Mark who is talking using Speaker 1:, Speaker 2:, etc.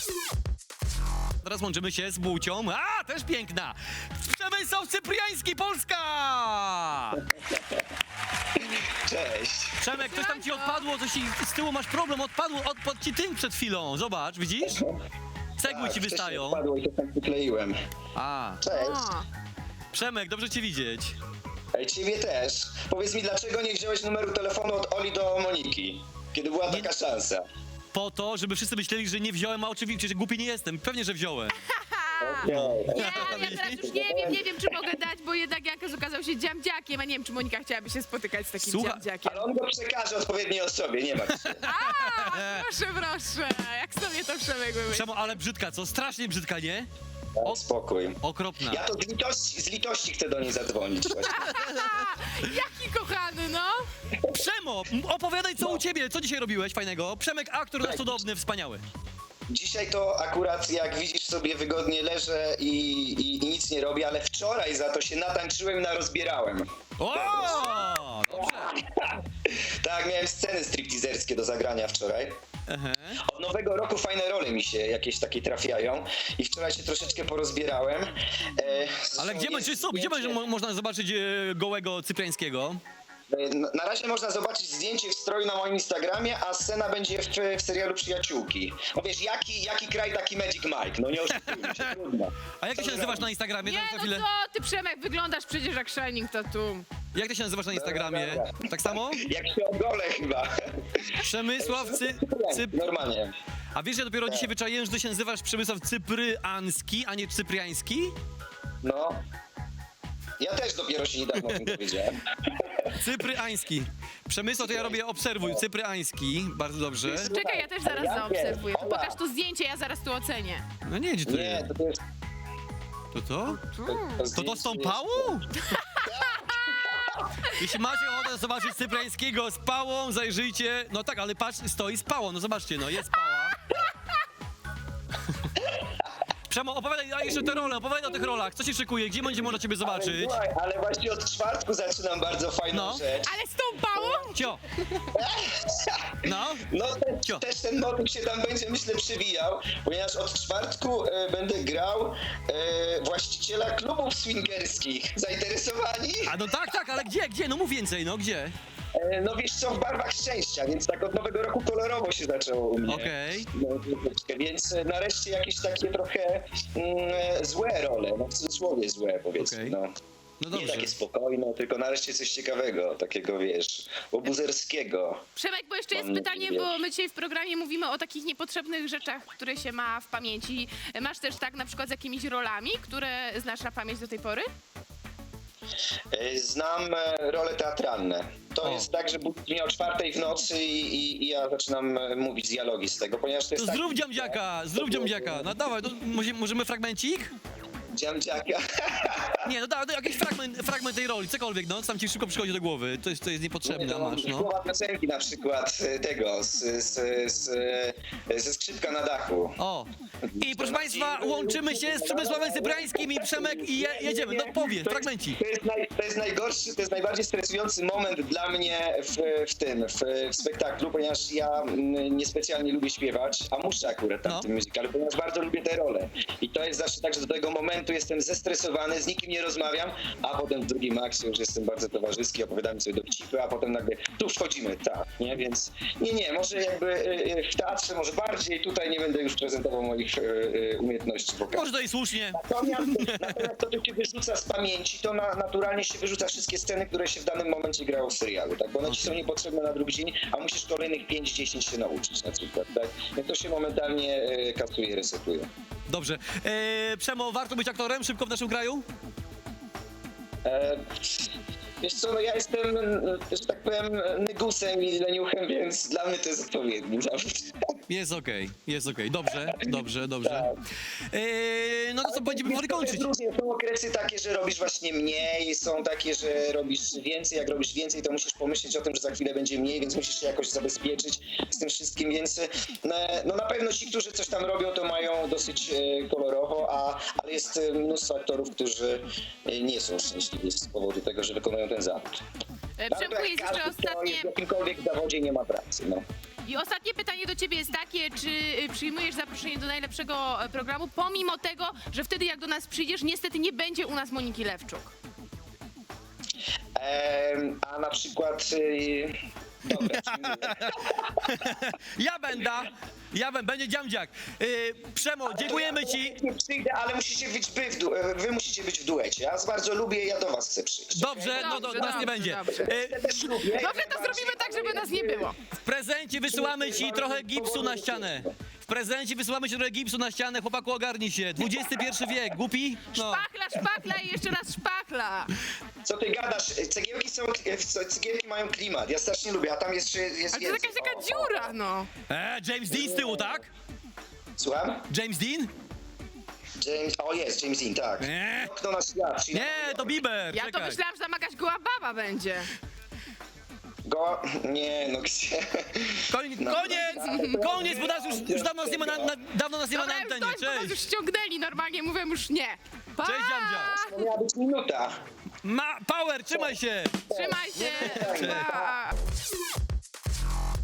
Speaker 1: Teraz łączymy się z Bucią. A, też piękna! Przemysław Cypriański, Polska!
Speaker 2: Cześć.
Speaker 1: Przemek, coś tam ci odpadło, coś ci z tyłu masz problem, odpadł ci tynk przed chwilą. Zobacz, widzisz? Cegły ci wystają.
Speaker 2: Padło i to tam wykleiłem.
Speaker 1: A,
Speaker 2: Cześć.
Speaker 3: O,
Speaker 1: Przemek, dobrze cię widzieć.
Speaker 2: Ej, ciebie też. Powiedz mi, dlaczego nie wziąłeś numeru telefonu od Oli do Moniki? Kiedy była taka szansa.
Speaker 1: Po to, żeby wszyscy myśleli, że nie wziąłem, a oczywiście, że głupi nie jestem. Pewnie, że wziąłem.
Speaker 2: Okej.
Speaker 3: ja teraz już nie wiem, czy mogę dać, bo jednak Jankas okazał się dziamdziakiem, a nie wiem, czy Monika chciałaby się spotykać z takim
Speaker 1: Słuchaj,
Speaker 3: dziamdziakiem.
Speaker 2: Ale on go przekaże odpowiedniej osobie, nie ma się.
Speaker 3: Proszę, jak sobie to Przemek wymyślił.
Speaker 1: Przemo, ale brzydka, co? Strasznie brzydka, nie?
Speaker 2: Daj spokój.
Speaker 1: Okropna.
Speaker 2: Ja to z litości chcę do niej zadzwonić właśnie.
Speaker 3: Jaki kochany, no!
Speaker 1: Przemo, opowiadaj, co u ciebie, co dzisiaj robiłeś fajnego? Przemek, aktor nasz cudowny, wspaniały.
Speaker 2: Dzisiaj to akurat, jak widzisz, sobie wygodnie leżę i nic nie robię, ale wczoraj za to się natańczyłem i narozbierałem.
Speaker 1: O! Dobrze.
Speaker 2: Tak, miałem sceny stripteaserskie do zagrania wczoraj.
Speaker 1: Aha.
Speaker 2: Od nowego roku fajne role mi się jakieś takie trafiają i wczoraj się troszeczkę porozbierałem.
Speaker 1: Ale gdzie można zobaczyć gołego Cypriańskiego?
Speaker 2: Na razie można zobaczyć zdjęcie w stroju na moim Instagramie, a scena będzie w serialu Przyjaciółki. No wiesz, jaki kraj, taki Magic Mike, no nie oszukujmy się, trudno.
Speaker 1: A jak ty się nazywasz na Instagramie?
Speaker 3: Nie,
Speaker 1: Tak za
Speaker 3: no
Speaker 1: chwilę.
Speaker 3: co ty, Przemek, wyglądasz przecież jak Shining Tattoo.
Speaker 1: Jak ty się nazywasz na Instagramie?
Speaker 2: Dobra.
Speaker 1: Tak samo?
Speaker 2: Jak się ogolę chyba.
Speaker 1: Przemysław
Speaker 2: Normalnie.
Speaker 1: A wiesz, ja dopiero dzisiaj wyczaiłem, że ty się nazywasz Przemysław Cypryanski, a nie Cypriański?
Speaker 2: No. Ja też dopiero się niedawno o tym dowiedziałem.
Speaker 1: Cypryański. Przemysław, to ja robię obserwuj. Cypryański, bardzo dobrze.
Speaker 3: Czekaj, ja też zaraz
Speaker 2: Jankiem,
Speaker 3: zaobserwuję.
Speaker 2: Ola.
Speaker 3: Pokaż to zdjęcie, ja zaraz tu ocenię.
Speaker 1: No nie, gdzie to
Speaker 2: Nie,
Speaker 1: jest?
Speaker 2: to jest...
Speaker 1: To? To
Speaker 2: zdjęcie
Speaker 1: z pałą? Jeśli macie ochotę zobaczyć Cypriańskiego z pałą, zajrzyjcie. No tak, ale patrz, stoi z pałą, no zobaczcie, no jest pała. Przemo, opowiadaj jeszcze te role, opowiadaj o tych rolach. Co się szykuje, gdzie będzie można ciebie zobaczyć?
Speaker 2: Słuchaj, ale właśnie od czwartku zaczynam bardzo fajną
Speaker 1: No.
Speaker 2: rzecz.
Speaker 3: Ale z tą pałą?
Speaker 1: Cio! No?
Speaker 2: No
Speaker 1: Cio.
Speaker 2: też ten motyw się tam będzie, myślę, przewijał, ponieważ od czwartku będę grał właściciela klubów swingerskich. Zainteresowani?
Speaker 1: A no tak, ale gdzie? No mów więcej, no gdzie?
Speaker 2: No wiesz co, w barwach szczęścia, więc tak od nowego roku kolorowo się zaczęło u mnie.
Speaker 1: Okej.
Speaker 2: No, troszeczkę, więc nareszcie jakieś takie trochę złe role, no w cudzysłowie złe powiedzmy,
Speaker 1: Okej.
Speaker 2: no.
Speaker 1: No
Speaker 2: Nie
Speaker 1: dobrze.
Speaker 2: takie spokojne, tylko nareszcie coś ciekawego, takiego wiesz, obuzerskiego.
Speaker 3: Przemek, bo jeszcze jest
Speaker 2: Mam
Speaker 3: pytanie,
Speaker 2: nadzieję.
Speaker 3: bo my dzisiaj w programie mówimy o takich niepotrzebnych rzeczach, które się ma w pamięci. Masz też tak na przykład z jakimiś rolami, które znasz na pamięć do tej pory?
Speaker 2: Znam role teatralne. To
Speaker 1: O.
Speaker 2: jest tak, że budzi mnie o 4 w nocy i ja zaczynam mówić dialogi z tego, ponieważ to jest
Speaker 1: To
Speaker 2: tak...
Speaker 1: zrób dziamdziaka. No dawaj, no, możemy fragmencik?
Speaker 2: Dziamdziaka.
Speaker 1: Nie, no dawaj, jakiś fragment tej roli, cokolwiek, no, co tam ci szybko przychodzi do głowy. To jest niepotrzebne, a masz, no.
Speaker 2: Słowa piosenki na przykład tego, ze skrzypka na dachu.
Speaker 1: O. I proszę państwa, łączymy się z Przemysławem Cypriańskim i Przemek i jedziemy. No powie, fragmencik.
Speaker 2: To jest najgorszy, to jest najbardziej stresujący moment dla mnie w spektaklu, ponieważ ja niespecjalnie lubię śpiewać, a muszę akurat tam
Speaker 1: No.
Speaker 2: w tym musicalu, ponieważ bardzo lubię te role. I to jest zawsze tak, że do tego momentu jestem zestresowany, z nikim nie rozmawiam, a potem w drugim akcie już jestem bardzo towarzyski, opowiadamy sobie dowcipy, a potem nagle tu wchodzimy, tak, nie? Więc nie, może jakby w teatrze może bardziej, tutaj nie będę już prezentował moich umiejętności wokalnych.
Speaker 1: Może to i słusznie.
Speaker 2: Natomiast to, co się wyrzuca z pamięci, to naturalnie się wyrzuca wszystkie sceny, które się w danym momencie grało w serialu, tak? Bo one ci są niepotrzebne na drugi dzień, a musisz kolejnych 5-10 się nauczyć na przykład, tak? Więc to się momentalnie kasuje, resetuje.
Speaker 1: Dobrze. Przemo, warto być aktorem szybko w naszym kraju?
Speaker 2: Wiesz co, no ja jestem, że tak powiem, nygusem i leniuchem, więc dla mnie to jest odpowiedni zawód.
Speaker 1: Jest okej. Dobrze. No to co, będziemy powoli kończyć.
Speaker 2: Różnie, są okresy takie, że robisz właśnie mniej, są takie, że robisz więcej. Jak robisz więcej, to musisz pomyśleć o tym, że za chwilę będzie mniej, więc musisz się jakoś zabezpieczyć z tym wszystkim, więc no na pewno ci, którzy coś tam robią, to mają dosyć kolorowo, ale jest mnóstwo aktorów, którzy nie są szczęśliwi z powodu tego, że wykonują ten zawód.
Speaker 3: Przemku, jest jeszcze
Speaker 2: Każdy, kto
Speaker 3: ostatnie...
Speaker 2: jest w jakimkolwiek zawodzie, nie ma pracy, no.
Speaker 3: I ostatnie pytanie do ciebie jest takie, czy przyjmujesz zaproszenie do najlepszego programu, pomimo tego, że wtedy jak do nas przyjdziesz, niestety nie będzie u nas Moniki Lewczuk.
Speaker 2: A na przykład... Dobra, czyli
Speaker 1: Ja będę, będzie dziamdziak. Przemo, dziękujemy ci.
Speaker 2: nie przyjdę, ale musicie być wy musicie być w duecie. Ja was bardzo lubię, ja do was chcę przyjść.
Speaker 1: Dobrze, no to nas nie będzie.
Speaker 3: dobrze.
Speaker 2: Ja też lubię.
Speaker 3: Dobrze, to zrobimy tak, żeby nas nie było.
Speaker 1: W prezencie wysyłamy ci trochę gipsu na ścianę. W prezencie wysyłamy ci trochę gipsu na ścianę, chłopaku ogarnij się. XXI wiek, głupi? No.
Speaker 3: Szpachla i jeszcze raz szpachla.
Speaker 2: Co ty gadasz? Cegiełki mają klimat. Ja strasznie lubię, a tam jest
Speaker 3: Ale to jest
Speaker 2: więcej.
Speaker 3: jakaś taka dziura, no.
Speaker 1: James Dean z tyłu, tak?
Speaker 2: Słucham?
Speaker 1: James Dean?
Speaker 2: Jest James Dean, tak.
Speaker 1: Nie,
Speaker 2: Okno na świat. czyli-
Speaker 1: nie, to Bieber.
Speaker 3: Ja to
Speaker 1: czekaj.
Speaker 3: myślałam, że tam jakaś goła baba będzie.
Speaker 2: Nie, no gdzie?
Speaker 1: Koniec, bo nas już dawno nas nie ma dawno nas nie ma na
Speaker 3: Dobra, już
Speaker 1: antenie.
Speaker 3: dość, bo nas już
Speaker 1: Cześć.
Speaker 3: ściągnęli normalnie, mówię już nie. Pa!
Speaker 1: Cześć, dziamdzia.
Speaker 2: To miała być minuta.
Speaker 1: Power, trzymaj się.
Speaker 3: Trzymaj się. Pa!